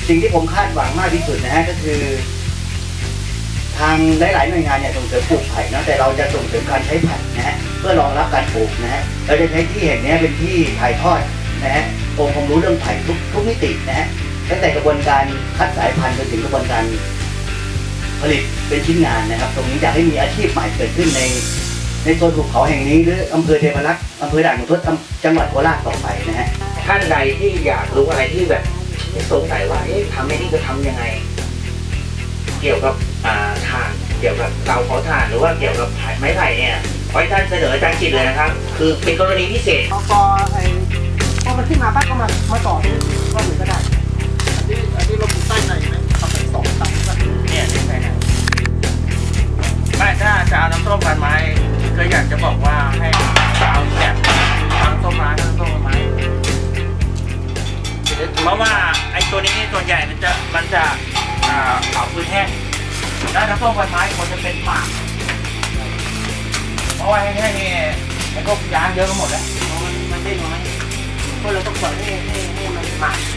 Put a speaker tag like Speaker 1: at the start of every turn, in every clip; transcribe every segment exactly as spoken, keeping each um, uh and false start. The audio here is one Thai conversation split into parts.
Speaker 1: สิ่งที่ผมคาดหวังมากที่สุดนะฮะก็คือ ทางหลายๆหน่วยงานเนี่ยส่งเสริมปลูกไผ่นะแต่เราจะส่งเสริมการใช้ไผ่นะฮะเพื่อรองรับการปลูกนะฮะเราจะใช้ที่แห่งนี้เป็นที่ถ่ายทอดนะฮะองค์ความรู้เรื่องไผ่ทุกทุกมิตินะฮะตั้งแต่กระบวนการคัดสายพันธุ์จนถึงกระบวนการผลิตเป็นชิ้นงานนะครับตรงนี้อยากให้มีอาชีพใหม่เกิดขึ้นในในโซนภูเขาแห่งนี้หรืออำเภอเทพารักษ์อำเภอด่านขุนทดจังหวัดโคราชต่อไปนะฮะท่านใดที่อยากรู้อะไรที่แบบสงสัยว่าเอ๊ะทำไม่นี่จะทำยังไงเกี่ยวกับถ่านเกี่ยวกับเตาเผาถ่านหรือว่าเกี่ยวกับไม้ไผ่เนี่ยขอให้ท่านเสนออาจารย์จิตเลยนะครับคือเป็นกรณีพิเศษ
Speaker 2: พอพอไอ้พอมันขึ้นมาปั๊บก็มามาต่อที่ก้อนหนึ่งก็ได้อันนี้อันนี้เราปลูกใต้ในไหมทำเป็นสองตันก็
Speaker 3: เนี่ยใช่ไหมนะไม่ถ้าจะเอาน้ำส้มพันไม้ก็อยากจะบอกว่าให้เอาแบบน้ำส้มร้านน้ำส้มพันไม้เพราะว่าไอ้ตัวนี้ส่วนใหญ่มันจะมันจะเผาพื้นแห้งแล้วน้ำส้มพันไม้ควรจะเป็นหมากเพราะว่าแห้งๆนี่ไอ้พวกยางเยอะก็หมดแล้วมันมันได้น้อยเพราะเราต้องปล่อยให้ให้ให้มันหมาก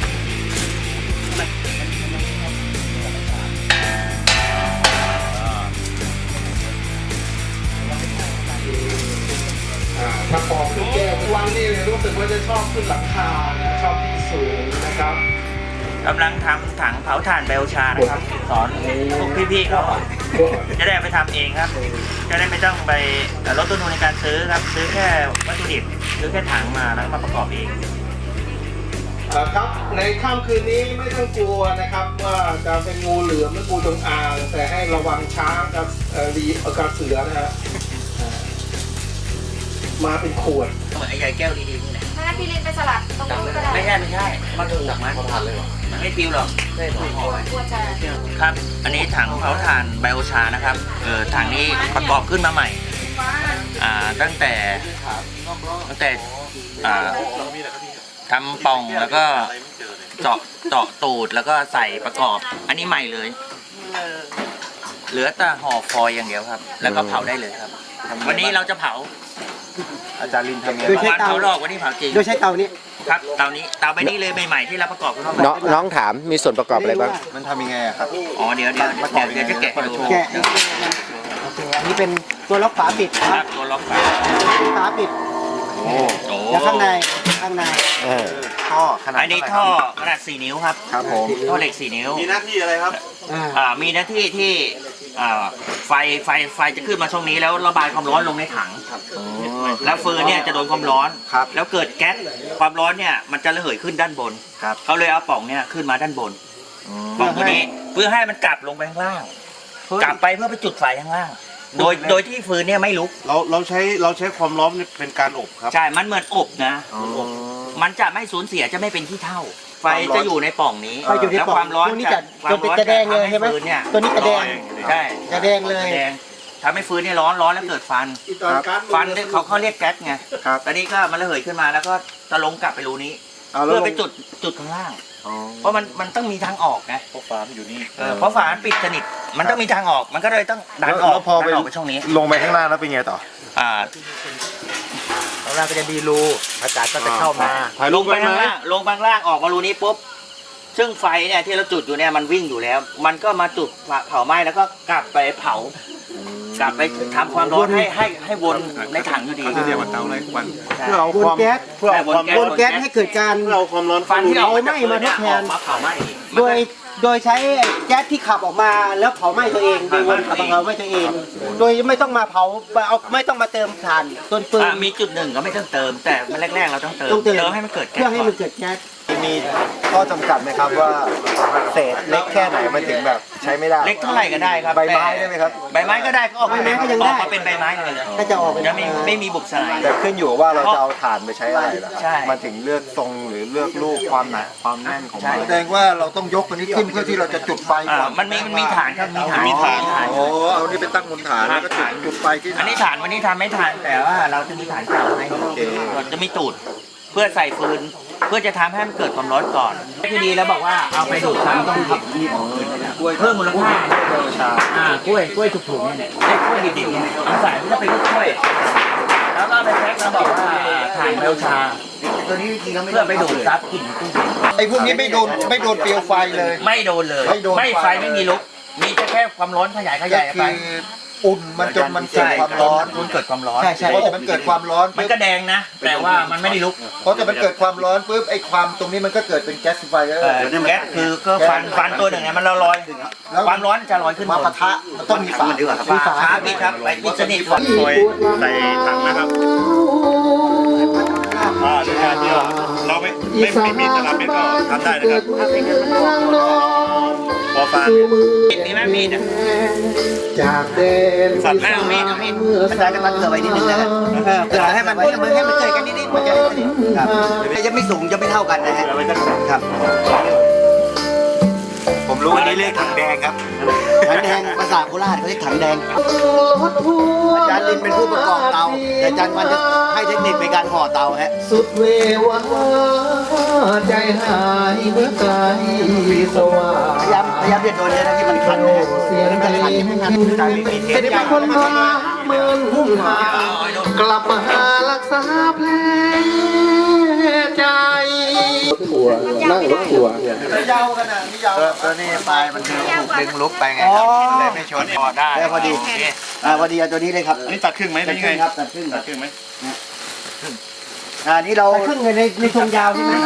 Speaker 2: ถ้าปอกขึ้นแก้วทุกวันนี่รู้สึกว่าจะชอบขึ้นหลังคาชอบที่สูงนะครับ
Speaker 3: กำลังทำถังเผาถ่านไบโอชานะครับสอนพวกพี่ๆเขาจะได้ไปทำเองครับจะได้ไม่ต้องไปลดต้นทุนในการซื้อครับซื้อแค่วัตถุดิบซื้อแค่ถังมาแล้วมาประกอบเอง
Speaker 2: ครับในค่ำคืนนี้ไม่ต้องกลัวนะครับว่าจะเป็นงูเหลือมหรืองูจงอางแต่ให้ระวังช้างกับรีกับเสือนะฮะมาเป็นขวด
Speaker 3: เหมือนไอ้ใหญ่แก้วดีๆนี่แหละ
Speaker 4: ถ้างั้นพี่ลินไปสลัดตรงนู้นก็ได้
Speaker 3: ไม่ใช่ไม่ใช่มาถูกหลักไม้พอทานเลยหรอไม่ปิวหรอกไม่ถูกครับอันนี้ถังเผาถ่านไบโอชานะครับเออถังนี้ประกอบขึ้นมาใหม่อ่าตั้งแต่ตั้งแต่อ่าทำป่องแล้วก็เจาะเจาะตูดแล้วก็ใส่ประกอบอันนี้ใหม่เลยเหลือแต่ห่อฟอยล์อย่างเดียวครับแล้วก็เผาได้เลยครับวันนี้เราจะเผา
Speaker 5: อาจารย์ลินทำไง
Speaker 3: โดยใช้เตาหลอกวันนี้เผาจริง
Speaker 2: โดยใช้เตานี้
Speaker 3: ครับเตานี้เตาใบนี้เลยใหม่ๆที่เราประกอบขึ้นมา
Speaker 5: น้องน้องถามมีส่วนประกอบอะไรบ้างมันทำยังไงครับ
Speaker 3: อ๋อเดี๋ยวเดี๋ยวเดี๋ยวเดี๋ยวจะแกะดู
Speaker 2: แกะโอเคอันนี้เป็นตัวล็อกฝาปิด
Speaker 3: ครับตัวล็อกฝา
Speaker 2: ฝาปิด
Speaker 5: โอ้
Speaker 2: แล้วข้างในข้างใน
Speaker 5: ท่อขนาด
Speaker 3: อันนี้ท่อขนาดสี่นิ้วครับ
Speaker 5: ครับผม
Speaker 3: ท่อเหล็กสี่นิ้ว
Speaker 5: มีหน้าที่อะไรครับ
Speaker 3: อ่ามีหน้าที่ที่อ่าไฟไฟไฟจะขึ้นมาช่องนี้แล้วระบายความร้อนลงในถังแล้วฟืนเนี่ยจะโดนความร้อนแล้วเกิดแก๊สความร้อนเนี่ยมันจะระเหยขึ้นด้านบนเขาเลยเอาปล่องเนี่ยขึ้นมาด้านบนปล่องตัวนี้เพื่อให้มันกลับลงไปข้างล่างกลับไปเพื่อไปจุดไฟข้างล่างโดยโดยที่ฟืนเนี่ยไม่ลุก
Speaker 5: เราเราใช้เราใช้ความร้อนเป็นการอบครับ
Speaker 3: ใช่มันเหมือนอบนะมันจะไม่สูญเสียจะไม่เป็นขี้เถ้าไฟจะอยู่ในปล่องนี้แล้วความร้อน
Speaker 2: จะความร้อนจะแดงเลยใช่ไหมตัวนี้จะแดง
Speaker 3: ใช่
Speaker 2: จะแดงเลย
Speaker 3: แดงทำให้ฟืนเนี่ยร้อนร้อนแล้วเกิดฟันฟันเนี่ยเขาเขาเรียกแก๊สไงตอนนี้ก็มันระเหยขึ้นมาแล้วก็จะลงกลับไปรูนี้เพื่อไปจุดจุดข้างล่างเพราะมันมันต้องมีทางออกไง
Speaker 5: เพราะฝาอยู่นี่
Speaker 3: เพราะฝาปิดสนิทมันต้องมีทางออกมันก็เลยต้องดันออกดันออกไปช่องนี้
Speaker 5: ลงไปข้างล่างแล้วเป็นไงต่อ
Speaker 3: อ่า
Speaker 2: ข้างล่างก็จะมีรูอากาศก็จะเข้ามา
Speaker 3: ลงไปข้างล่างลงไปข้างล่างออกมารูนี้ปุ๊บซึ่งไฟเนี่ยที่เราจุดอยู่เนี่ยมันวิ่งอยู่แล้วมันก็มาจุดเผาไหม้แล้วก็กลับไปเผากลับไปทำความร้อนให้ให้ให้วนในถังอยู่ดี
Speaker 5: เรียกว่าเตาไรวัน
Speaker 2: เพื่อเอาความแก๊สเพื่อเอาความวนแก๊สให้เกิดการ
Speaker 5: เราความร้อน
Speaker 3: ฟันที่เรา
Speaker 2: ไหม้มาทดแทน
Speaker 3: มาเผาไหม้
Speaker 2: โดยโดยใช้แก๊สที่ขับออกมาแล้วเผาไหม้ตัวเองโดยวนขับเผาไหม้ตัวเองโดยไม่ต้องมาเผาเอาไม่ต้องมาเติมถ่านต้นปืน
Speaker 3: มีจุดหนึ่งก็ไม่ต้องเติมแต่แรกๆเราต้องเติมเติมให้มันเกิดแก๊ส
Speaker 2: เพื่อให้มันเกิดแก๊ส
Speaker 5: มีข้อจำกัดไหมครับว่าเศษเล็กแค่ไหนมันถึงแบบใช้ไม่ได้
Speaker 3: เล็กเท่าไหร่ก็ได้ครับ
Speaker 5: ใบไม้ได้ไหมครับ
Speaker 3: ใบไม้ก็ได้ก็ออกใบไม้ก็ยังได้ออกมาเป็นใบไม้เลย
Speaker 2: ก็จะออก
Speaker 3: จะไม่ไม่มีบุกสลาย
Speaker 5: แต่ขึ้นอยู่ว่าเราจะเอาถ่านไปใช้อะไรล่ะมันถึงเลือกทรงหรือเลือกลูกความหนาความแน่นของมันแสดงว่าเราต้องยกตัวนี้ขึ้นเพื่อที่เราจะจุดไฟก่อน
Speaker 3: มันมีมันมีฐานครับมีฐาน
Speaker 5: มีฐานโอ้เอานี่ไปตั้งบนฐานแล้วก็จุดจุดไฟที่
Speaker 3: อันนี้ฐานวันนี้ทำไม่ฐานแต่ว่าเราจะมีฐานเก่าให้เราจะมีตูดเพื่อใส่ฟืนเพื่อจะทำให้มันเกิดความร้อนก่อนที่ดีแล้วบอกว่าเอาไปดูดซ้ำต้องทำกล้วยเพิ่มมูลค่าอ่ากล้วยกล้วยถูกๆเนี่ยไอ้กล้วยดิบๆเนี่ยเอาใส่เพื่อไปกล้วยแล้วก็ไปแพ็คแล้วบอกว่าถ่านเบลชา
Speaker 1: ตัวนี้จริงๆแล้วไม่
Speaker 3: เพื่อไปดูดซับกลิ่นตู้
Speaker 5: ไอ้พวกนี้ไม่โดนไม่โดนเปลวไฟเลย
Speaker 3: ไม่โดนเลย
Speaker 5: ไม่โดนไฟ
Speaker 3: ไฟไม่มีลุกมีแค่ความร้อนขยายข
Speaker 5: ก็
Speaker 3: ยาย
Speaker 5: คื
Speaker 3: ไป
Speaker 5: ออุ่นมันจนมันเกิดความร้อน
Speaker 3: มันเกิดความร้อน
Speaker 1: ใช่ใช่
Speaker 5: เพราะแต่มันเกิดความร้อน
Speaker 3: มันก็แดงนะ แต่ว่ามันไม่ได้ลุก
Speaker 5: เพราะแต่มันเกิดความร้อนปุ๊บไอ้ความตรงนี้มันก็เกิดเป็นแก๊สไฟเออ
Speaker 3: เออแก๊สคือก็ฟันฟันตัวหนึ่งเนี่ยมันลอยความร้อนจะลอยขึ้น
Speaker 5: มา
Speaker 3: บ
Speaker 5: ปะ
Speaker 3: น
Speaker 5: ทะมันต้องมีฝา
Speaker 1: ดีกว่าครับ
Speaker 5: มีฝา
Speaker 3: ครับพี่ครับไปปิดสนิทก่อน
Speaker 6: คอยใส่ถังนะครับอ่าในการที่เราเราไม่ไม่ไม่มีตลับเมตรก็ทำได้นะครับพอฟัง
Speaker 3: มีดมีไหมมีดอะ
Speaker 2: จากเดน
Speaker 6: สัตว์แม่
Speaker 3: เอามีดเอามีด
Speaker 1: มันได้กันตัดเกลือไว้นิดนึงนะครับเออเกลือให้มันให้มันให้มันเกิดกันนิดๆมันจะได้สนิทครับจะไม่สูงจะไม่เท่ากันนะฮะครับ
Speaker 5: ผมรู้อันนี้เลขถังแดงครับ
Speaker 1: ถังแดงภาษาโคราชเขาเรียกถังแดงอาจารย์ลินเป็นผู้ประกอบเตาแต่อาจารย์วันจะให้เทคนิคในการห่อเตาฮะ
Speaker 2: สุดเววาใจหายเมื่อไกลสว่าง
Speaker 1: พยายามพยายามจะโดนเนี่ยนะที่มันคันนะฮะ
Speaker 2: เสียง
Speaker 1: มัน
Speaker 2: เพ
Speaker 1: จะ
Speaker 2: ล
Speaker 1: คัน
Speaker 2: ง
Speaker 1: ไม่คันใจไม่มีเท
Speaker 2: เป็น
Speaker 1: ปใหญ่
Speaker 2: คนมาเมินหุ่นหากลับมาหารักษาแผลใจถั่วนั่งรถถั่ว
Speaker 5: ยาวกันนะนี่ยาวตัวนี้ปลายมันถูกดึงลุกไปไง
Speaker 1: อ๋อ
Speaker 5: เลยไม่ชนพอได้
Speaker 1: ได้พอดีอ่าพอดีเอาตัวนี้เลยครับ
Speaker 6: อันนี้ตัดครึ่งไหม
Speaker 1: ตั
Speaker 6: เป็
Speaker 1: ด
Speaker 6: น
Speaker 1: ค
Speaker 6: ยัง
Speaker 1: รึ่
Speaker 6: ไง
Speaker 1: งครับตัดครึ่ง
Speaker 6: ตัดครึ่งไหม
Speaker 1: อ่านี่เรา
Speaker 2: ครึ่งในในทรงยาวใช่ไหม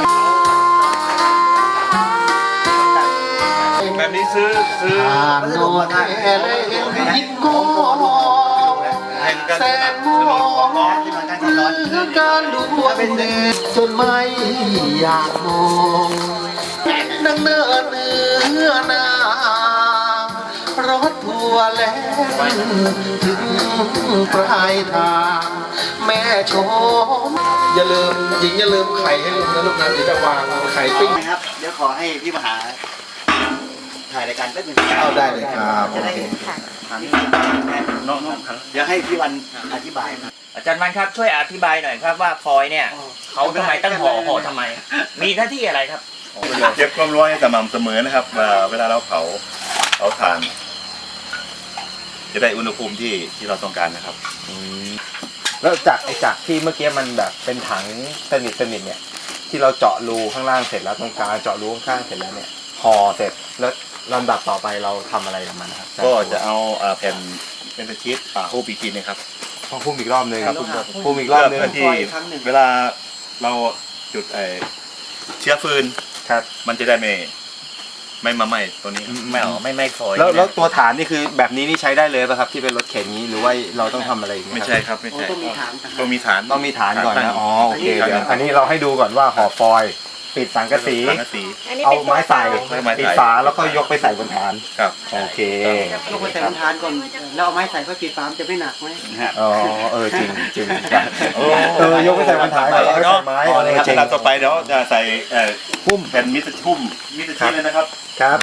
Speaker 6: แบบนี้ซื้อซื้อ
Speaker 2: ผ่านโน่นแอร์เลยยิ้มโก้แสนมอง
Speaker 1: ที่มันการร้อน
Speaker 2: เพื่อการดูเป็นเด็กจนไม่อยากมองนั่งเนินเนื้อนา รถทัวร์แล้วถึงปลายทางแม่ชมอย่าลืมหญิงอย่าลืมไข่ให้ลุงนะลูกนะเดี๋ยวจะวางไข่ปิ้ง
Speaker 1: นะครับเดี๋ยวขอให้พี่มหาถ่ายรายการแป๊บนึง
Speaker 2: เอาได้เลยครับ
Speaker 1: จะได้ถามน้องๆเดี๋ยวให้พี่วันอธิบาย
Speaker 3: อาจารย์วันครับช่วยอธิบายหน่อยครับว่าฟอยเนี่ยเขาทำไมตั้งห่อห่อทำไม มีหน้าที่อะไรครับ
Speaker 6: เก็บความร้อนให้สม่ำเสมอนะครับว่าเวลาเราเผาเผาถ่าน จะได้อุณหภูมิที่ที่เราต้องการนะครับ
Speaker 7: แล้วจากไอ้จากที่เมื่อกี้มันแบบเป็นถังสนิทสนิทเนี่ยที่เราเจาะรูข้างล่างเสร็จแล้วตรงกลางเจาะรูข้างๆเสร็จแล้วเนี่ยห่อเสร็จแล้วลำดับต่อไปเราทำอะไรกับมันนะครับ
Speaker 6: ก็จะเอาอ่าแผ่นเป็นชีสอ่าฮูปีทีนะครับ
Speaker 7: ต้องพุ่มอีกรอบนึง
Speaker 6: ครับ
Speaker 7: พุ่มอีกรอบนึง
Speaker 6: เพื่อที่เวลาเราจุดไอเชื้อฟืน
Speaker 7: ครับ
Speaker 6: มันจะได้ไม่ไม่มาไหม้ตัวนี้ครับ
Speaker 3: ไม่เอาไม่ไม่ฟอย
Speaker 7: แล้วแล้วตัวฐานนี่คือแบบนี้นี่ใช้ได้เลยป่ะครับที่เป็นรถเข็นนี้หรือว่าเราต้องทำอะไรอีกห
Speaker 6: ไม่
Speaker 7: ครับ
Speaker 6: ใช่ครับไม่ใช่ต้องมีฐานต้องมีฐาน
Speaker 7: ต้องมีฐานก่อน
Speaker 6: ตั้ง
Speaker 7: นะอ๋อโอเค
Speaker 6: ตั้ง
Speaker 7: เดี๋ยวอันนี้เราให้ดูก่อนว่าห่อฟอยล์ปิดสังกะสี
Speaker 6: สังกะสี
Speaker 4: อันนี้
Speaker 7: เอา
Speaker 4: เป็น
Speaker 7: ไม้ใส่
Speaker 6: ไม้ใส่
Speaker 7: ปิดฝาแล้วก็ยกไปใส่บนฐาน
Speaker 6: ครับ
Speaker 7: โอเค
Speaker 8: ยกไปใส่บนทานก่อน แล้วเอาไม้ใส่เพื่อปิดฝามนจะไม่หนักไหม
Speaker 7: อ๋อเออจริงจริง
Speaker 6: โอ้
Speaker 7: เออยกไปใส่บนฐานก่อนแล้วก็ใส่ไม้
Speaker 6: เอาเลยครับ
Speaker 7: จริง
Speaker 6: สลับต่อไปเดี๋ยวจะใส่เอ่อพุ่มแผ่นมิตรพุ่มมิตรชีสเลยนะครับ
Speaker 7: ครับ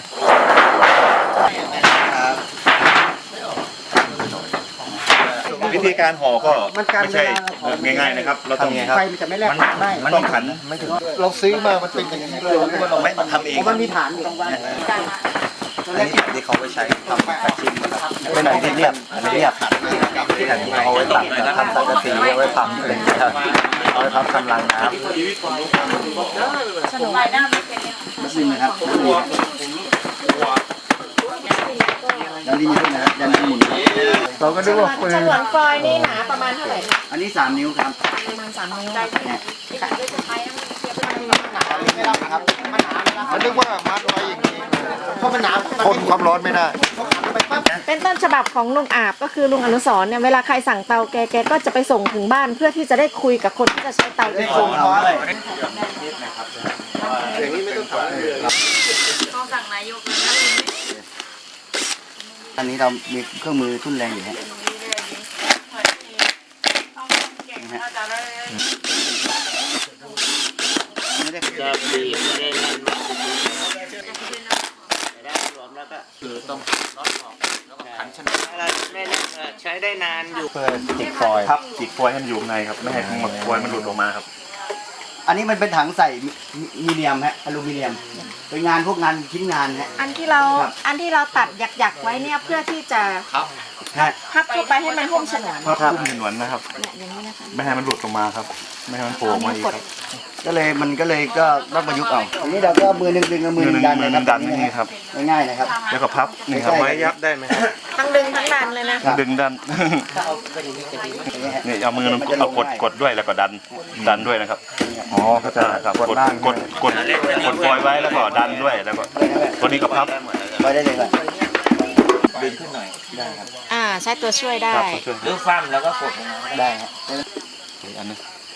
Speaker 6: วิธีการห่อก็ไม่ใช่ง่ายๆนะครับ เราต้อง
Speaker 7: ทำไงครับ
Speaker 8: ไฟมันจะไม่แลบได้
Speaker 6: มันต้องขัน
Speaker 7: ไม่ถึง
Speaker 5: เราซื้อมามันเป็นอย่างนี้เลย
Speaker 1: เราไม่ทำเอง
Speaker 8: เพราะมันมีฐานอยู่
Speaker 1: อันนี้ที่เขาไปใช้ทำแปะชิ้นนะครับเป็นแบบเรียบอันนี้เรียบที่อันนี้เอาไว้ตัดทำสังกะสีเอาไว้ทำอะไรอย่างเงี้ยครับเอาไว้ทำกำลังน้ำ
Speaker 4: สนุกไปหน้าไม่เป็นเนี่ย
Speaker 1: นิดนึงนะครับดันดิ้นขึ้นนะครับดันดิ้นหมุน
Speaker 7: เราก็นึกว่าปืน
Speaker 4: ฉนวนฟอยล์นี่หนาประมาณเท่าไหร่คะ
Speaker 1: อันนี้สามนิ้วครับ
Speaker 4: ประมาณสามนิ้ว
Speaker 1: เนี่ย
Speaker 4: ค่ะด้วยจะใช้มันเทียบกันหนา
Speaker 1: ไม่รับครับ
Speaker 5: มันนึกว่ามัดไว้อย่างนี้
Speaker 8: เพราะมันหนา
Speaker 5: ทนความร้อนไม่ได้
Speaker 4: เป็นต้นฉบับของลุงอาบก็คือลุงอนุสรณ์เนี่ยเวลาใครสั่งเตาแกแกก็จะไปส่งถึงบ้านเพื่อที่จะได้คุยกับคนที่จะใช้เตาโดยตรง
Speaker 1: เอาด้วย
Speaker 5: อย่างนี้ไม่ต้องถามเลย
Speaker 4: ต้องสั่งนายกเลยนะ
Speaker 1: อันนี้เรามีเครื่องมือทุ่นแรงอยู่ฮะไม่ได้จะบีบไม่ได้นั่นมากแต่ได้รวมแล้วก็คือต้องน็อตออกแล้วก็ขันชนะอะไรไม่ใช้ได้นานอยู่
Speaker 7: เพื่อติดฟอยล์
Speaker 6: ครับติดฟอยล์ให้มันอยู่ข้างในครับ ไม่ให้ทั้งหมดฟอยล์มันหลุดออกมาครับ
Speaker 1: อันนี้มันเป็นถังใส่มีเนียมฮะอลูมิเนียมเป็นงานพวกงานชิ้นงานฮะ
Speaker 4: อันที่เราอันที่เราตัดหยักๆไว้เนี่ยเพื่อที่จะ
Speaker 1: ฮะ
Speaker 4: พับเข้าไปให้มันหุ้มฉนวน
Speaker 6: ภาพพุ่มถนวนนะครับ
Speaker 4: เนี่ยอย่างนี้นะคะ
Speaker 6: ไม่ให้มันหลุดออกมาครับ ไม่ให้มันโผล่ออกมาอีกครับ
Speaker 1: ก็เลยมันก็เลยก็ต้องประยุกต์เอาอันนี้เราก็มือหนึ่งดึงกับมือหนึ่งดัน
Speaker 6: มือห
Speaker 1: นะ
Speaker 6: นึ่ง
Speaker 1: ครับ
Speaker 6: ดันนี่ครับ
Speaker 1: ง่ายๆนะครับ
Speaker 6: แล้วก็พับนี่ครับ
Speaker 1: ใช่
Speaker 7: ไม้ยับได้ไหมครับ
Speaker 4: ทั้งดึงทั้งดันเลยนะ
Speaker 6: ดึงดัน นี่เอามือนึงเอากดกดด้วยแล้วก็ดันดันด้วยนะครับ
Speaker 5: อ๋อเข้าใจ
Speaker 6: ครับ
Speaker 5: กด
Speaker 6: กด
Speaker 5: ล่าง
Speaker 6: กดกดกดปล่อยไว้แล้วก็ดันด้วยแล้วก็ตัวนี้ก็พับ
Speaker 1: ไปได้เลยก่อน
Speaker 3: ดึงขึ้นหน่อย
Speaker 4: อ่าใช้ตัวช่วยได้
Speaker 6: ครับตัวช่วย
Speaker 3: หรือฟั่มแล้วก็กดลงมา
Speaker 1: ได้ครับ
Speaker 6: อีกอันนึง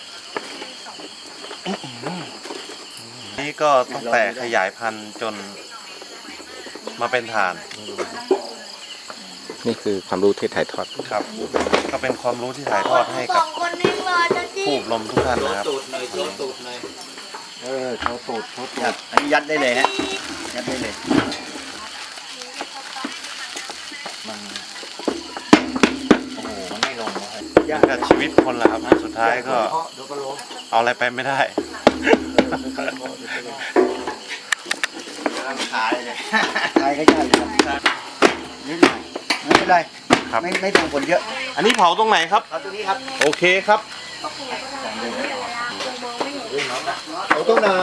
Speaker 6: นี่ก็ตั้งแต่ขยายพันธุ์จนมาเป็นฐาน
Speaker 7: นี่คือความรู้ที่ถ่ายทอด
Speaker 6: ครับ ก็เป็นความรู้ที่ถ่ายทอดให้กับผู้อบรมทุกท่านนะครับ
Speaker 3: ตูดหน่อยโชว์ตูดหน่อย
Speaker 5: เออเขาตูดเขาตู
Speaker 1: ครั
Speaker 5: ด
Speaker 1: บอันนี้ยัดได้เลยฮะยัดได้เลย
Speaker 3: มันโอ้โหมันไม่ลงเลย
Speaker 6: ยากกับชีวิตคนละครับสุดท้ายก็เอาอะไรไปไม่ได้
Speaker 1: ขายเลยขายก็ยากอยู่ครับนิดหน่อยไม่เป็นไร
Speaker 6: ครับ
Speaker 1: ไม่ไม่ส่งผลเยอะ
Speaker 7: อันนี้เผาตรงไหนครับ
Speaker 1: เอาตัวนี้ครับ
Speaker 7: โอเคครับ
Speaker 5: เอาตรงไหน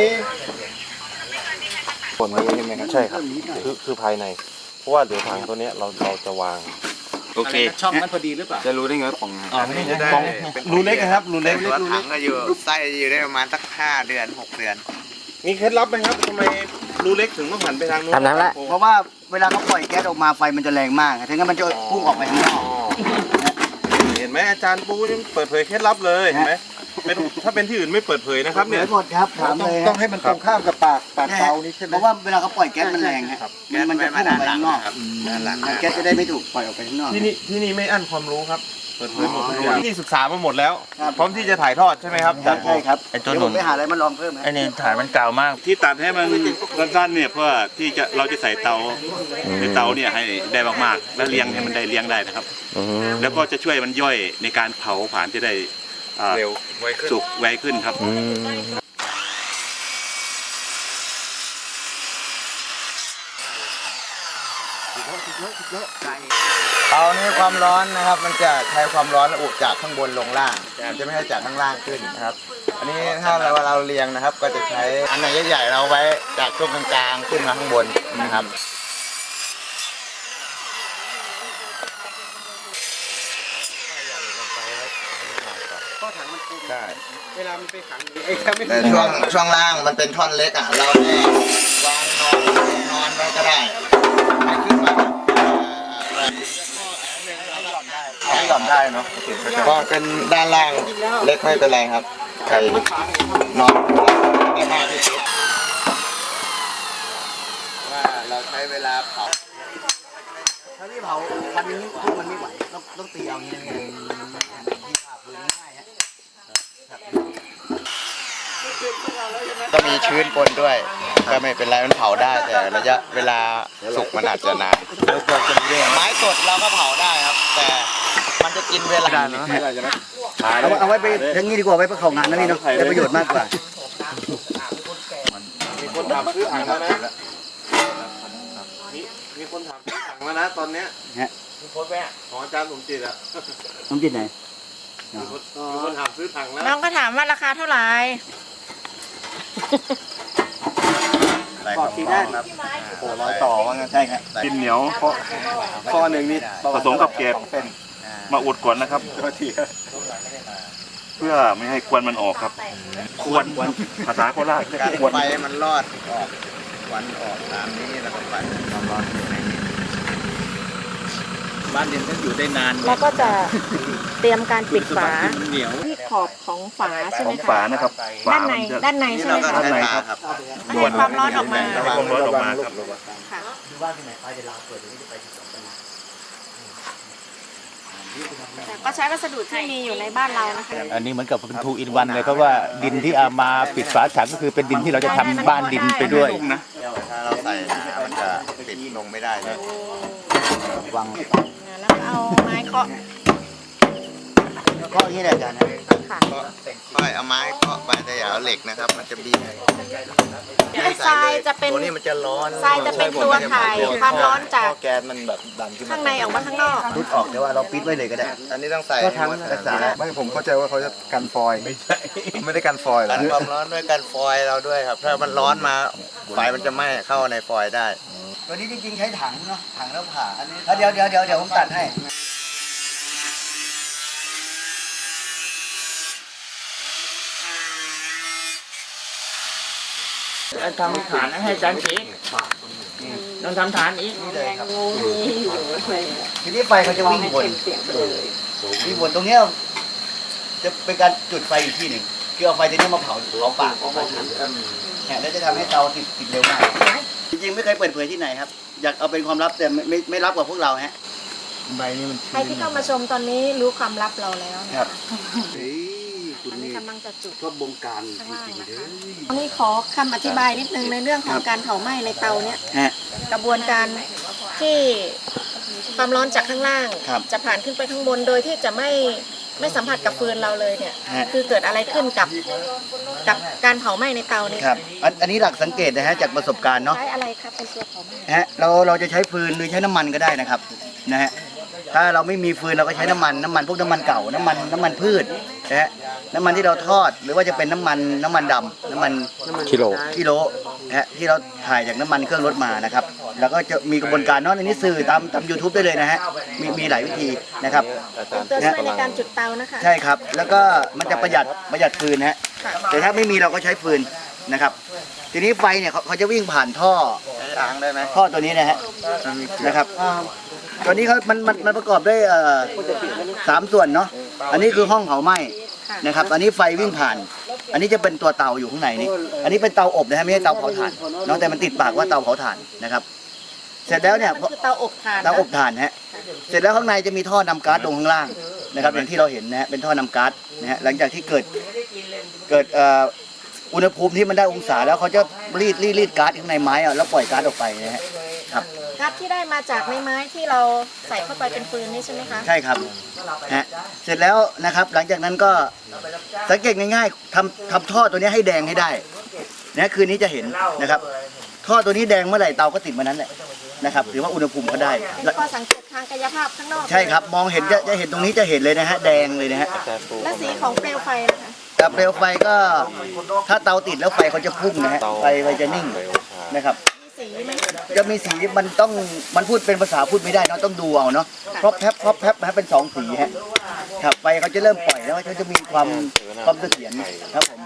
Speaker 7: ผลนี้ใช่ไหมครับใช่ครับคือคือภายใน เพราะว่าเดี๋ยวถังตัวเนี้ยเราเราจะวาง
Speaker 3: โอเค
Speaker 8: ช่องนั้นพอดีหรือเปล่า
Speaker 7: จะรู้ได้ไงว่าของ
Speaker 3: อ๋อไม่ได้
Speaker 7: ของรูเล็กนะครับรูเล็ก
Speaker 9: ตัวถังก็อยู่ไส้อยู่ได้ประมาณสักห้าเดือนหกเดือน
Speaker 7: มีเคล็ดลับไหมครับทำไมรูเล็กถึงต้องหันไปทางนู้น
Speaker 2: ทำน้ำละ
Speaker 1: เพราะว่าเวลาเขาปล่อยแก๊สออกมาไฟมันจะแรงมากถึงงั้นมันจะพุ่งออกไปข้างนอก
Speaker 7: เห็นไหมอาจารย์ปูยังเปิดเผยเคล็ดลับเลยเห็นไหมเป็นถ้าเป็นที่อื่นไม่เปิดเผยนะครับ
Speaker 1: เห
Speaker 7: เนี่
Speaker 1: ลื
Speaker 7: ย
Speaker 1: อหมดครับถาม
Speaker 5: ต้อ
Speaker 1: เล
Speaker 5: ง
Speaker 1: ย
Speaker 5: ต้องให้มันตรงข้ามกับปากปากเตานี่ใช่ไหม
Speaker 1: เพราะว่าเวลาเขาปล่อยแก๊สมันแรงฮะมันมันจะพุ่งออกไปข้างนอก
Speaker 9: ด้านหลัง
Speaker 1: แก๊สจะได้ไม่ถูกปล่อยออกไปข้างนอก
Speaker 7: ที่นี่ที่นี่ไม่อั้นความรู้ครับเปิดเผยหมดทุกอย่างที่นี่ศึกษามาหมดแล้ว
Speaker 1: ครับ
Speaker 7: พร้อมที่จะถ่ายทอดใช่ไหมครับอาจารย์ปู
Speaker 1: ใช่ครับ
Speaker 3: ไอ้ตัว
Speaker 1: เดี๋ยว
Speaker 3: ห
Speaker 1: ผ
Speaker 3: นุ
Speaker 1: ม
Speaker 3: น
Speaker 1: ไปหาอะไรมาลองเพิ่มฮะ
Speaker 3: ไอ้นี่ฐานมันเก่ามาก
Speaker 6: ที่ตัดให้มันสั้นๆเนี่ยเพื่อที่จะเราจะใส่เตาในเตาเนี่ยให้ได้มากๆแล้วเลี้ยงให้มันได้เลี้ยงได้นะครับ แล้วก็จะช่วยมันย่อยในการเผาผลาญจะได้อ่า
Speaker 7: เร็วไวขึ้น
Speaker 6: สุกไวขึ้นครับ
Speaker 9: เตานี้ความร้อนนะครับ มันจะใช้ความร้อนระอุจากข้างบนลงล่างมันจะไม่ใช่จากข้างล่างขึ้นนะครับ อันนี้ถ้าเราเราเรียงนะครับ ก็จะใช้อันไหนใหญ่ๆเราไว้จากช่วงกลางๆขึ้นมาข้างบนนะครับ
Speaker 7: ใช่
Speaker 9: แต่ช่วงช่วงล่างมันเป็นท่อนเล็กอ่ะ เราแค่วางนอนนอนไว้ก็ได้ให้ขึ้นมาให้หย่อนได้เนาะเพราะเป็นด้านล่างเล็กไม่เป็นไรครับใครนอนได้มากที่สุดว่าเราใช้เวลาเผา
Speaker 1: ถ้าพี่เผาวันนี้พวกมันไม่ไหวต้องต้องตีเอาอย่างนี้นะที่ผ่าพื้นง่ายฮะ
Speaker 9: ก็มีชื้นปนด้วยก็ไม่เป็นไรมันเผาได้แต่ระยะเวลาสุกมันอาจจะนานไม้สดเราก็เผาได้ครับ แต่มันจะกินเวลา
Speaker 1: เอาเอาไว้ไปทั้งนี้ดีกว่าไว้เพื่อเขางานนั่นนี่เนาะได้ประโยชน์มากกว่า
Speaker 7: มีคนถามซื้อถังแล้วนะมีมีคนถามซื้อถังแล้วนะตอนเนี้ย
Speaker 1: ฮะ
Speaker 7: มีโพสต์แม่ของอาจารย์สมจิตอ่ะ
Speaker 1: น้ำจิ้มไหน
Speaker 7: มีคนมีคนถามซื้อถังแล้ว
Speaker 4: น้องก็ถามว่าราคาเท่าไหร่
Speaker 1: ขอบทีได้ครับ
Speaker 5: โอ้ร้อยต่อว่างั้น
Speaker 1: ใช่ครับ
Speaker 6: ดินเหนียว
Speaker 5: ข้อหนึ่งนี่
Speaker 6: ผสมกับเกล็ด
Speaker 5: เป็น
Speaker 6: มาอุดก่อนนะครับ
Speaker 5: ตัวที
Speaker 6: เพื่อไม่ให้ควันมันออกครับควนภาษาโคราชเรียก
Speaker 9: การ
Speaker 6: ควน
Speaker 9: ไฟมันรอดออกควันออกตามนี้แล้วก็ไฟความร้อนอยู่ในนี้
Speaker 3: บ้านเรียนต้องอยู่ได้นาน
Speaker 4: แล้วก็จะเตรียมการปิดฝา
Speaker 3: เหนียว
Speaker 4: ที่ขอบของฝาใช่
Speaker 6: ข
Speaker 4: ไหม
Speaker 6: อง
Speaker 4: คะ
Speaker 6: ฝานะครับ
Speaker 4: ด้านใน
Speaker 6: ฝมัจะ
Speaker 4: ด้านในใช่ไหม
Speaker 9: ก็
Speaker 4: คะ
Speaker 9: ใช้ฝาครับ
Speaker 4: ให้ความร้อนออกมา
Speaker 6: ให้ความร้อนออกมาครับ
Speaker 4: ค่ะแต่ก็ใช้วัสดุที่มีอยู่ในบ้านเรานะคะ
Speaker 10: อันนี้เหมือนกับเป็นทูอินวันเลยเพราะว่าดินที่เอามาปิดฝาถังก็คือเป็นดินที่เราจะทำบ้านดินไปด้วย
Speaker 9: ถ้าเราใส่หนามันจะปิดลงไม่ได้เลย
Speaker 1: วาง
Speaker 4: แล้วก็เอาไม้เคาะ
Speaker 1: ก็อย่างนี้แหละอาจารย์นะ
Speaker 4: ค่ะ
Speaker 9: ก็ค่อยเอาไม้เคาะไปแต่อย่าเอาเหล็กนะครับ มันจะบีบ
Speaker 4: ทรายจะเป็น
Speaker 9: ตัวนี้มันจะร้อน
Speaker 4: ทรายจะเป็นตัวถ่ายความร้อนจาก
Speaker 9: ท่อแก๊สมันแบบดันขึ้นมา
Speaker 4: ข้างในออกมาข้างนอก
Speaker 1: รุดออกแต่ว่าเราปิดไว้เลยก็ได้
Speaker 9: อันนี้ต้องใส่
Speaker 5: ก็ทั้ง
Speaker 9: รักษา
Speaker 5: ไม่ผมเข้าใจว่าเขาจะกันฟอยล์ไม่ใช่ไม่ได้กันฟอยล์เหรอ
Speaker 9: กันความร้อนด้วยกันฟอยล์เราด้วยครับ ถ้ามันร้อนมาไฟมันจะไหม้เข้าในฟอยล์ได้
Speaker 1: ตัวนี้จริงๆใช้ถังเนาะถังแล้วผ่าเดี๋ยวเดี๋ยวเดี๋ยวเดี๋ยวผมตัดให้
Speaker 3: ทำฐานให้อาจารย์อีกต้องทำฐานอีก
Speaker 1: ทีนี้ไฟเขาจะวิ่งวนวิ่งวนตรงเนี้ยจะเป็นการจุดไฟอีกที่หนึ่งคือเอาไฟตัวนี้มาเผาเผาปากของมันเนี่ยแล้วจะทำให้เตาติดติดเร็วมากจริงๆไม่เคยเปิดเผยที่ไหนครับอยากเอาเป็นความลับแต่ไม่ไม่ไม่รับกับพวกเราฮะ
Speaker 5: ใบนี้มัน
Speaker 4: ใครที่เข้ามาชมตอนนี้รู้ความลับเราแล้วนะ
Speaker 1: ครั
Speaker 4: คะ
Speaker 1: บเฮ้ยคุณ
Speaker 4: อันนี้
Speaker 1: นี่
Speaker 4: กำลังจะจุด
Speaker 1: ชอบบงการจ
Speaker 4: ข้างล่าง
Speaker 1: ริงๆ
Speaker 4: นะ
Speaker 1: เล
Speaker 4: คะ
Speaker 1: ย
Speaker 4: อันนี้ขอคำอธิบายนิดนึงในเรื่องของการเผาไหม้ในเตาเนี่ย
Speaker 1: ฮะ
Speaker 4: กระบวนการที่ความร้อนจากข้างล่าง
Speaker 1: ครับ
Speaker 4: จะผ่านขึ้นไปข้างบนโดยที่จะไม่ไม่สัมผัสกับฟืนเราเลยเนี่ย
Speaker 1: ฮะ
Speaker 4: คือเกิดอะไรขึ้นกับกับการเผาไหม้ในเตานี้
Speaker 1: ครับอันอันนี้หลักสังเกตนะฮะจากประสบการณ์เนาะ
Speaker 4: ใช้อะไรครับเป็นตัวเผาไหม้
Speaker 1: ฮะเราเราจะใช้ฟืนหรือใช้น้ำมันก็ได้นะครับนะฮะถ้าเราไม่มีฟืนเราก็ใช้น้ำมันน้ำมันพวกน้ำมันเก่าน้ำมันน้ำมันพืชนะฮะน้ำมันที่เราทอดหรือว่าจะเป็นน้ำมันน้ำมันดำน้ำมัน
Speaker 10: กิโล
Speaker 1: กิโลนะฮะที่เราถ่ายจากน้ำมันเครื่องรถมานะครับแล้วก็จะมีกระบวนการเนาะในนี้สื่อตามตามยูทูบได้เลยนะฮะมีมีหลายวิธีนะครับ
Speaker 4: เป็นตัวช่วยในการจุดเตานะคะ
Speaker 1: ใช่ครับแล้วก็มันจะประหยัดประหยัดฟืนนะฮะ
Speaker 4: ค่ะ
Speaker 1: แต่ถ้าไม่มีเราก็ใช้ฟืนนะครับ ทีนี้ไฟเนี่ยเขาเขาจะวิ่งผ่านท่อ
Speaker 9: ล้างได้ไหม
Speaker 1: ท่อตัวนี้นะฮะนะครับตัวนี้เขามันมันมันประกอบด้วยเอ่อสามส่วนเนาะอันนี้คือห้องเผาไหม้นะครับ อันนี้ไฟวิ่งผ่าน อันนี้จะเป็นตัวเตาอยู่ข้างในนี่อันนี้เป็นเตาอบนะฮะไม่ใช่เตาเผาถ่านเนาะแต่มันติดปากว่าเตาเผาถ่านนะครับ เสร็จแล้วเนี่ย
Speaker 4: มันคือเตาอบถ่านนะ
Speaker 1: เตาอบถ่านฮะเสร็จแล้วข้างในจะมีท่อนำก๊าซลงข้างล่างนะครับอย่างที่เราเห็นนะฮะเป็นท่อนำก๊าซนะฮะหลังจากที่เกิดเกิดเอ่ออุณหภูมิที่มันได้องศาแล้วเขาจะรีดรีดรีดก๊าซข้างในไม้อะแล้วปล่อยก๊าซออกไปนะฮะครับ
Speaker 4: ก๊าซที่ได้มาจากในไม้ที่เราใส่เข้าไปเป็นฟืนนี่ใช่ไหมคะ
Speaker 1: ใช่ครับฮะเสร็จแล้วนะครับ หลังจากนั้นก็สังเกตง่ายๆทำทำท่อตัวนี้ให้แดงให้ได้นะคืนนี้จะเห็นนะครับ ท่อตัวนี้แดงเมื่อไหร่เตาก็ติดเมื่อนั้นแหละนะครับถือว่าอุณหภูมิเขาได้
Speaker 4: มีข้อสังเกตทางกายภาพข้างนอก
Speaker 1: ใช่ครับมองเห็นจะจะเห็นตรงนี้จะเห็นเลยนะฮะแดงเลยนะฮะ
Speaker 4: และสีของเปลวไฟนะคะ
Speaker 1: กับเปลวไฟก็ถ้าเตาติดแล้วไฟเขาจะพุ่งนะฮะไฟไฟจะนิ่งนะครับ
Speaker 4: มีสีไหม
Speaker 1: จะมีสีมันต้องมันพูดเป็นภาษาพูดไม่ได้เนาะต้องดูเอาเนาะเพราะแพบเพราะแพบนะฮะเป็นสองสีฮะครับไฟเขาจะเริ่มปล่อยแล้วเขาจะมีความความเสถียรครับผม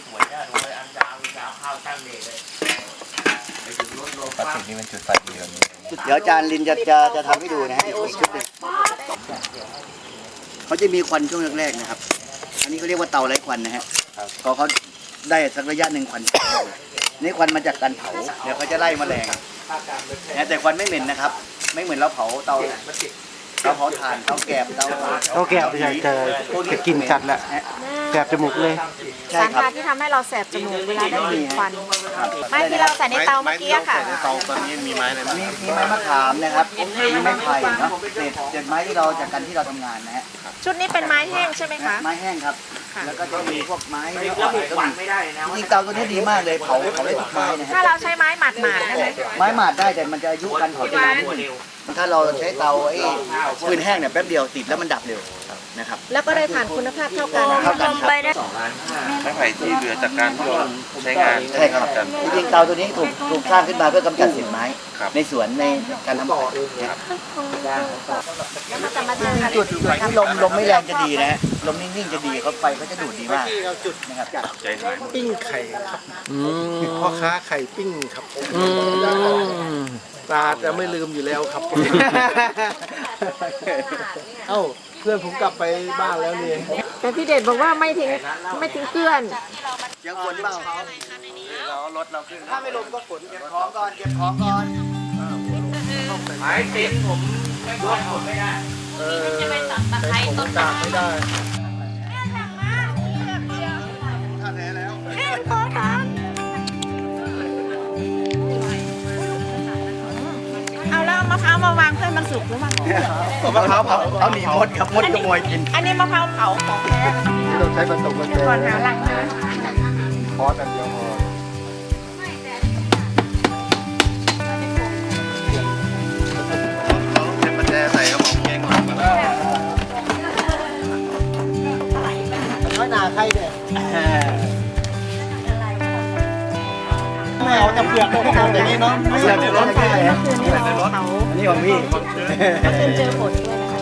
Speaker 7: พลาสติกนี่มันจุดไฟดีแบบนี้
Speaker 1: เดี๋ยวอาจารย์ลินจะจะจะทำให้ดูนะฮะอีกชุดหนึ่งเขาจะมีควันช่วงแรกๆนะครับ อันนี้เขาเรียกว่าเตาไร้ควันนะฮะพอเขาได้สักระยะหนึ่งควันนี่ควันมาจากการเผาเดี๋ยวเขาจะไล่แมลงนะแต่ควันไม่เหม็นนะครับ ไม่เหมือนเราเผาเตาเตาเผาถ่านเตาแกบเตา
Speaker 8: เตาแกบจะจะจะกินจัดแหละ แสบจมูกเลย
Speaker 1: ใช่
Speaker 4: สาร
Speaker 1: ครับ
Speaker 4: พาที่ทำให้เราแสบจมูกเวลาได้กลิ่นควันไม้ที่เราใส่ในเตาเมื่อกี้อะค่ะ
Speaker 9: เตาตอนนี้มีไม้อะไรบ้าง
Speaker 1: มีมีไม้มะขามนะครับมีไม้ไผ่เนาะเศษเศษไม้ที่เราจากกันที่เราทำงานนะฮะ
Speaker 4: ชุดนี้เป็นไม้แห้งใช่ไหมคะ
Speaker 1: ไม้แห้งครับ แล้วก็จะมีพวกไม้เนื้ออ่อนก็มีจริงๆเตาตัวนี้ดีมากเลยเผาเผาได้ทุกไม้นะ
Speaker 4: ถ้า
Speaker 1: ฮะ
Speaker 4: เราใช้ไม้หมาดๆได้ไหม
Speaker 1: ไม้หมาดได้แต่มันจะอายุการเผาจะนานนิดนึงถ้าเราใช้เตาไอ้ฟืนแห้งเนี่ยแป๊บเดียวติดแล้วมันดับเร็วนะครับ
Speaker 4: แล้วก็ได้ผ่านคุณภาพเท่ากัน
Speaker 1: เท่ากันครับ
Speaker 7: ไม้ไผ่ที่เหลือจากการที่เราใช้งาน
Speaker 1: ใช่ครับจริงๆเตาตัวนี้ถูกถูกสร้างขึ้นมาเพื่อกำจัดเศษไม้ ในสวนในการทำบ่อนะครับ
Speaker 4: แล้วมันจะมาเจอกัน
Speaker 1: จุดจุดที่ลมลมไม่แรงจะดีนะฮะลมนิ่งๆจะดีเขาไฟเขาจะดูดดีมากนะครับ
Speaker 7: ใจหาย
Speaker 5: ปิ้งไข่ครับพ่อค้าไข่ปิ้งครับตาจะไม่ลืมอยู่แล้วครับ เอ้าเพื่อนผมกลับไปบ้านแล้วเนี่ย
Speaker 4: แต่พี่เดชบอกว่าไม่ทิ้งไม่ทิ้งเพื่อน
Speaker 1: ยังฝนเปล่าเรารถเราขึ้นถ้าไม่ลมก็ฝนเก็บของก่อนเก็บของก่อน
Speaker 3: ไม้ติดผมไม่รวมผมไม่ได้
Speaker 5: เออแต่ผมตากไม่ได้
Speaker 4: เอาแล้วมะพร้าวมาวางเพื่อมันสุกหรือมัน
Speaker 1: มะพร้าวเผาเอาหนีมดครับมดขโมยกิน
Speaker 4: อันนี้มะพร้าวเผาของแท้
Speaker 5: เราใช้ประตูกุญแจ
Speaker 4: ก่อนหาหลังนะ
Speaker 5: คอร์สอันเดียวพอใช้กุญแจใส่กระบอกเกงก่อนมาแล้ว
Speaker 8: น้อยหนาใครเนี่ยไม่เอาจะเปลือกต้องเอาแต่นี้เนาะไม่ใส่ในรถไม่ได้ฮะใส่ในรถอันนี้ของพี่
Speaker 4: เจอผลด้วยนะคะ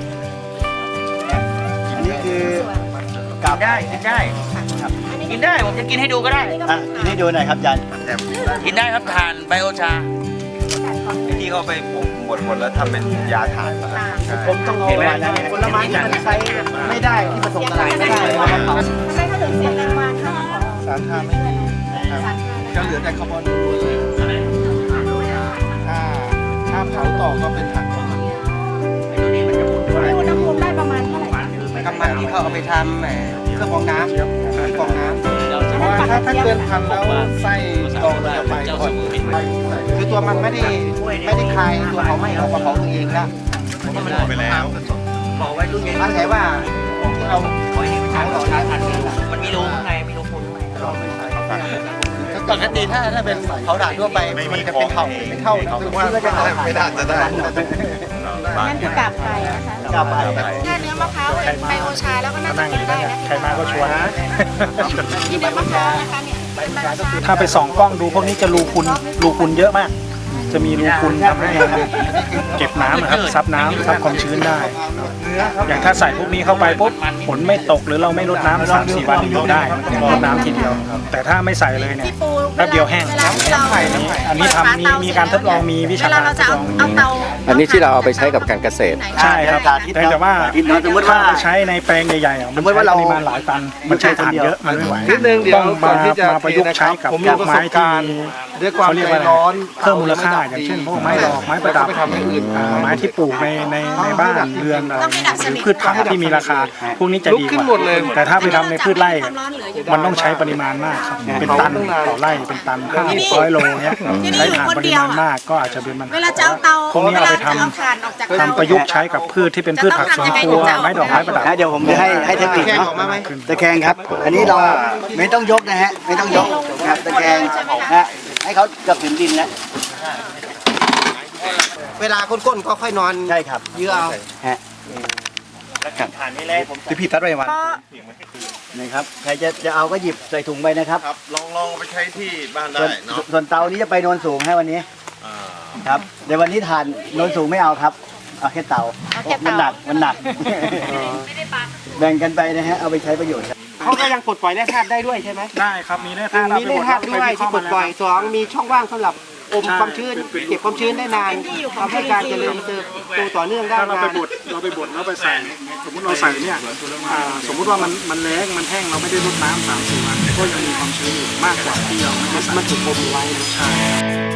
Speaker 1: อันนี้คือ
Speaker 3: กินได้กินได้กินได้ผมจะกินให้ดูก็ได้
Speaker 1: อ่ะกินให้ดูหน่อยครับยัน
Speaker 3: กินได้ครับทานไบโอชา
Speaker 7: ที่เขาไปผมบดหมดแล้วทำเป็นยาถ่ายมา
Speaker 8: ผมต้องเอาผลไม้ที่มันใช้ไม่ได้ที่ผสมสลายไม่ได้เลยมาเผา
Speaker 4: ใช่เขาถึงเสียงแรงวานค่ะ
Speaker 5: สารค่าไม่มีนะครับก็เหลือแต่คาร์บอนล้วนๆเลยถ้าถ้าเผาต่อก็เป็นถังของมัน
Speaker 4: อุณหภูมิได้ประมาณเท่าไหร่
Speaker 8: กำมันที่เขาเอาไปทำแหมเครื่องกรองน้ำที่กรองน้ำ
Speaker 5: เพราะว่าถ้าถ้าเกินพันแล้วไส้ตองเราจะไปก่อน
Speaker 8: คือตัวมันไม่ได้ไม่ได้คลายตัวเขาไม่เราเผาตัวเองแล้ว
Speaker 5: มันหมดไปแล้ว
Speaker 8: มันใช่ว่าที่เราเผาเราใช้ทัน
Speaker 3: มันมีรูข้างในมีรูพุนข้างใน
Speaker 8: ปกติถ้าถ้าเป็นเผาถ่านทั่วไปมันจะเป็นเท่าเป็นเท่าคือว่าก็จะเผา
Speaker 5: ไม่น่าจะได้
Speaker 4: นั่นคือกาบไก่นะคะ
Speaker 1: กลับไป
Speaker 4: ถ้าเนื้อมะพร้าวเป็นไบโอชาแล้วก็น่าจะกินได้นะ
Speaker 10: ใครมาก็ชวน
Speaker 4: ที่เนื้อมะพร้าวนะคะเนี่ยเป็นไบโอชา
Speaker 10: ถ้าไปส่องกล้องดูพวกนี้จะรูพุนรูพุนเยอะมาก จะมีรูพุนทำให้เก็บน้ำนะครับซับน้ำซับความชื้นได้ อย่างถ้าใส่พวกนี้เข้าไปปุ๊บฝนไม่ตกหรือเราไม่รดน้ำสามสี่วันอยู่ได้รดน้ำทีเดียว แต่ถ้าไม่ใส่เลยเนี่ย
Speaker 4: พี่ปู
Speaker 10: แป๊บเดียวแห้ง
Speaker 4: เวลาที่เรา
Speaker 10: อันนี้ทำมีมีการทดลองมีวิ
Speaker 4: เว
Speaker 10: ชา
Speaker 4: ลา
Speaker 10: การ
Speaker 4: เรา
Speaker 10: ท
Speaker 4: จะ
Speaker 10: ด
Speaker 4: เอา
Speaker 10: ลอง
Speaker 4: เอาเตา
Speaker 11: อันนี้ที่เราเอาไปใช้กับการเกษตร
Speaker 10: ใช่ครับแต่แต่ว่า
Speaker 1: สมมติว่า
Speaker 10: ถ้าไปใช้ในแปลงใหญ่ๆอ่ะมัน
Speaker 1: สมมุติว่าเรา
Speaker 10: ใช้ปริมาณหลายตันมันใช้ถ่านเยอะมันไม่ไหว
Speaker 5: นิดนึงเดี๋ยว
Speaker 10: ต้อง
Speaker 5: ก่
Speaker 10: มา
Speaker 5: อนที่จะ
Speaker 10: มาประยุกต์ใช้กับ
Speaker 5: ผม
Speaker 10: พ
Speaker 5: มี
Speaker 10: วก
Speaker 5: ประ
Speaker 10: ไม้
Speaker 5: สบ
Speaker 10: ที่
Speaker 5: การณ์ด้วยความ
Speaker 10: เขาเรียก
Speaker 5: ใจ
Speaker 10: ว่าอะไร
Speaker 5: ร้อน
Speaker 10: เพิ่มมูลค่าอย่างเช่นพวกไม้ดอกไม้ประดับ
Speaker 5: ไปทำอย่างอื่น
Speaker 10: อ่าไม้ที่ปลูกในในในบ้านเรือนอะไรหรือพืชผักที่มีราคา พวกนี้จะ
Speaker 5: ลุก
Speaker 10: ดี
Speaker 5: ขึ้
Speaker 10: ก
Speaker 5: นหมดเลย
Speaker 10: ว่าแต่ถ้าไปทำในพืชไร่
Speaker 4: ความร้อนเหลืออยู่
Speaker 10: มันต้องใช้ปริมาณมากครับเป็นตันต่อไร่เป็นตันห้าร้อยโลเนี้ย
Speaker 4: ที่นี่
Speaker 10: ใช้
Speaker 4: อยู่
Speaker 10: ถ่าน
Speaker 4: คน
Speaker 10: ปริ
Speaker 4: เดียว
Speaker 10: มาณ
Speaker 4: อะ
Speaker 10: มากก็อาจจะเป็นมัน
Speaker 4: เวลาจะเอาเตา
Speaker 10: พวกนี้
Speaker 4: เว
Speaker 10: เอา
Speaker 4: ลา
Speaker 10: ไป
Speaker 4: จะ
Speaker 10: ท
Speaker 4: เอาถ่านออกจากเตา
Speaker 10: ำทำประยุกต์ใช้กับพืชที่เป็นพืชผักสวนครัวไม้ดอกไม้ประดับ
Speaker 1: นะเดี๋ยวผมจะให้ให้เทคนิคเนาะตะแคงครับ อันนี้เราไม่ต้องยกนะฮะไม่ต้องยกนะครับตะแคงนะฮะให้เขากับถึงดินแล้ว
Speaker 8: เวลาก้นๆก็ค่อยนอน
Speaker 1: ใช่ครับ
Speaker 8: เยื่อเอา
Speaker 1: ฮะ
Speaker 3: ถ่านนี่แหละผม
Speaker 5: ที่พี่ตัดไว้วัน
Speaker 1: นะครับใครจะจะเอาก็หยิบใส่ถุงไปนะครับ
Speaker 5: ครับลองลองไปใช้ที่บ้านได้
Speaker 1: ส่วน
Speaker 5: เนาะ
Speaker 1: ส่วนเตานี้จะไปโนนสูงให้วันนี้ครับเดี๋ยววันนี้ทานโนนสูงไม่เอาครับเอาแค่เตา
Speaker 4: เอาแค่
Speaker 1: มัน
Speaker 4: เตา
Speaker 1: หนักมันหนักแบ่งกันไปนะฮะเอาไปใช้ประโยชน์ครับ
Speaker 8: เขาก็ยังปลดปล่อยแร่ธาตุได้ด้วยใช่ไหม
Speaker 10: ได้ครับมีแร่ธาตุ
Speaker 8: มีแร่ธาตุด้วยที่ปลดปล่อยสองมีช่องว่างสำหรับอมความชื้นเก็บความชื้นได้นานทำให้การเจริญเติบโตต่อเนื่องได้
Speaker 10: ถ้าเราไป
Speaker 8: นาน
Speaker 10: บดเราไปบดแล้วไปใส่สมมุติเราใส่เนี่ยอ่าสมมุติว่ามันมันแล้งมันแห้งเราไม่ได้รดน้ำสามสี่วันก็ยังมีความชื้นอยู่มากกว่าที่เราไม่ได้ใส่
Speaker 8: มันถูกอมไว้
Speaker 10: ใช่